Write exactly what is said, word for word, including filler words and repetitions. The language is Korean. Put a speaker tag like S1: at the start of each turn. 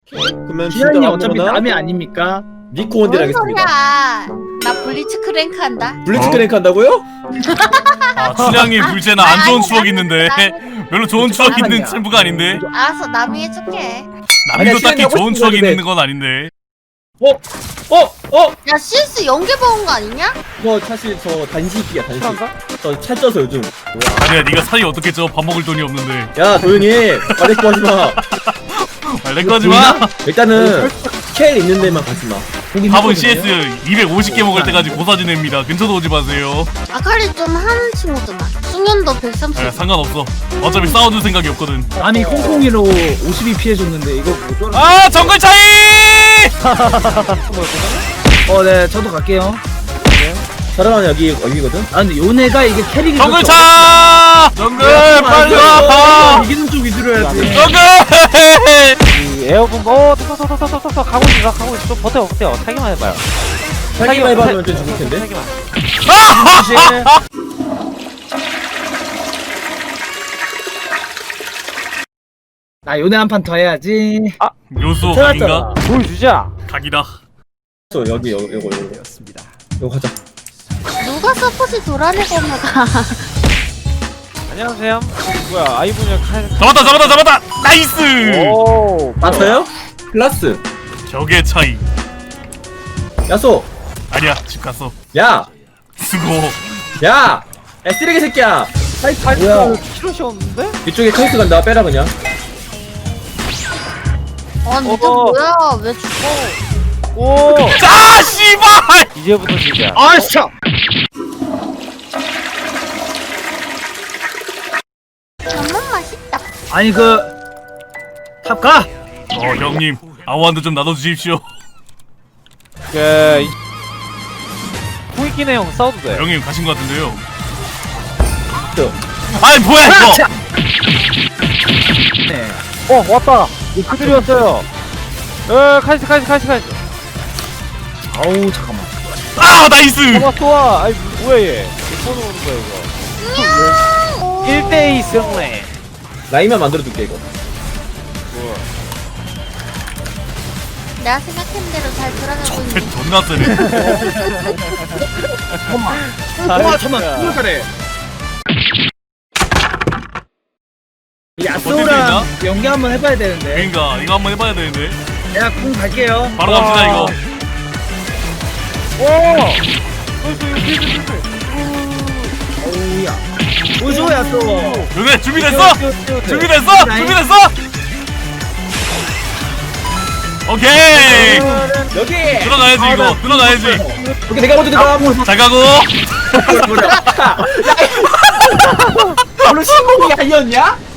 S1: 그러면 진짜
S2: 기한이 어차피
S1: 아무거나
S2: 남이 아닙니까?
S1: 니코 원딜 하겠습니다.
S3: 나 블리츠 크랭크 한다.
S1: 블리츠
S4: 어?
S1: 크랭크 한다고요?
S4: 아, 춘향이 불제나 안 좋은 추억 있는데 별로 좋은 추억 있는
S2: 아니야.
S4: 챔프가 아닌데
S3: 알았어, 남이 해줄게.
S1: 아니야,
S4: 남도 딱히
S1: 춘향이 하고
S4: 좋은
S1: 싶은
S4: 추억이
S1: 건데.
S4: 있는 건 아닌데.
S1: 어? 어? 어?
S3: 야, 씨에스 연계 먹은 거 아니냐?
S1: 저 사실 저 단식이야 단식. 저 찰쪄서 요즘.
S4: 아니야, 네가 살이 어떻게 쪄? 밥 먹을 돈이 없는데.
S1: 야 조용히 해. 말레코 하지 마.
S4: 아, 내 거지 마.
S1: 일단은 스케일 있는 데만 가지 마.
S4: 밥은 씨에스 이백오십 개 먹을 때까지 고사지 냅니다. 근처도 오지 마세요.
S3: 아칼리 좀 하는 친구잖아. 숙련도 백삼십.
S4: 아, 상관없어. 어차피 싸워줄 생각이 없거든.
S2: 남이 콩콩이로 오십이 피해줬는데 이거 뭐 쫄아.
S4: 아, 정글 차이!
S2: 어, 네, 저도 갈게요.
S1: 사람은 여기 여기거든.
S2: 아, 근데 요네가 이게 캐릭이
S4: 정글
S2: 그렇게
S4: 차! 정글 빨리 와!
S2: 없- 이기는 쪽 위주로 해야지.
S4: 정글!
S5: 이 에어본 어 토토토토토토 가고 있어 가고 있어 좀 버텨 버텨 타기만 해봐요.
S1: 살기만 해봐면 좀 죽을 텐데.
S5: 타기만.
S2: 나 요네 한 판 더 해야지.
S4: 묘수
S1: 찾았잖아.
S4: 각인가?
S5: 보여주자.
S4: 각이다.
S1: 저 여기 여기 요거 요거. 요거 가자.
S3: 누가 서포트 돌아내고 오면가.
S5: 안녕하세요. 뭐야 아이분이 칼.
S4: 잡았다 잡았다 잡았다! 나이스!
S5: 오.
S1: 맞아요? 클라스.
S4: 격의 차이.
S1: 야소.
S4: 아니야, 집 갔어.
S1: 야.
S4: 수고.
S1: 야. 야 쓰레기 새끼야.
S5: 카이스
S1: 뭐야?
S5: 카이스 키로시었는데?
S1: 이쪽에 카이스 간다. 빼라 그냥.
S3: 아, 니들
S5: 어.
S3: 뭐야? 왜 죽어?
S5: 오.
S4: 자, 씨발!
S5: 이제부터 시작.
S2: 아, 진짜.
S3: 정말 맛있다.
S2: 아니 그 탑 가.
S4: 어, 형님. 아우한테 좀 나눠주십시오.
S5: 그 후이키네 형 싸워도 돼.
S4: 형님 가신 것 같은데요.
S1: 저.
S4: 아이, 뭐야, 이거!
S2: 자. 네.
S5: 어 왔다. 그들이었어요. 에 카이스 카이스 카이스 카이스.
S2: 아우 잠깐만.
S4: 아, 나이스!
S5: 좋아 좋아. 아이 뭐야 얘. 몇 번을 오는 거야 이거. 일 대 이 승리.
S1: 라인만 만들어둘게 이거.
S5: 뭐야.
S3: 내가 생각한 대로 잘 돌아가고 있는.
S4: 배 존나 세네.
S2: 잠깐만. 와, 잠깐만. 누굴 잘해. 이 야스오랑 연기 한번 해봐야 되는데.
S4: 그러니까 이거 한번 해봐야 되는데.
S2: 내가 공 갈게요.
S4: 바로 갑시다, 이거.
S2: 오우야. 보여줘 야스오.
S4: 요네, 준비됐어? 준비됐어? 준비됐어? 오케이!
S1: 여기.
S4: 들어가야지, 이거. 들어가야지.
S1: 오케이 내가 먼저 들어가.
S4: 잘 가고.
S1: 물론 신공이 아니었냐?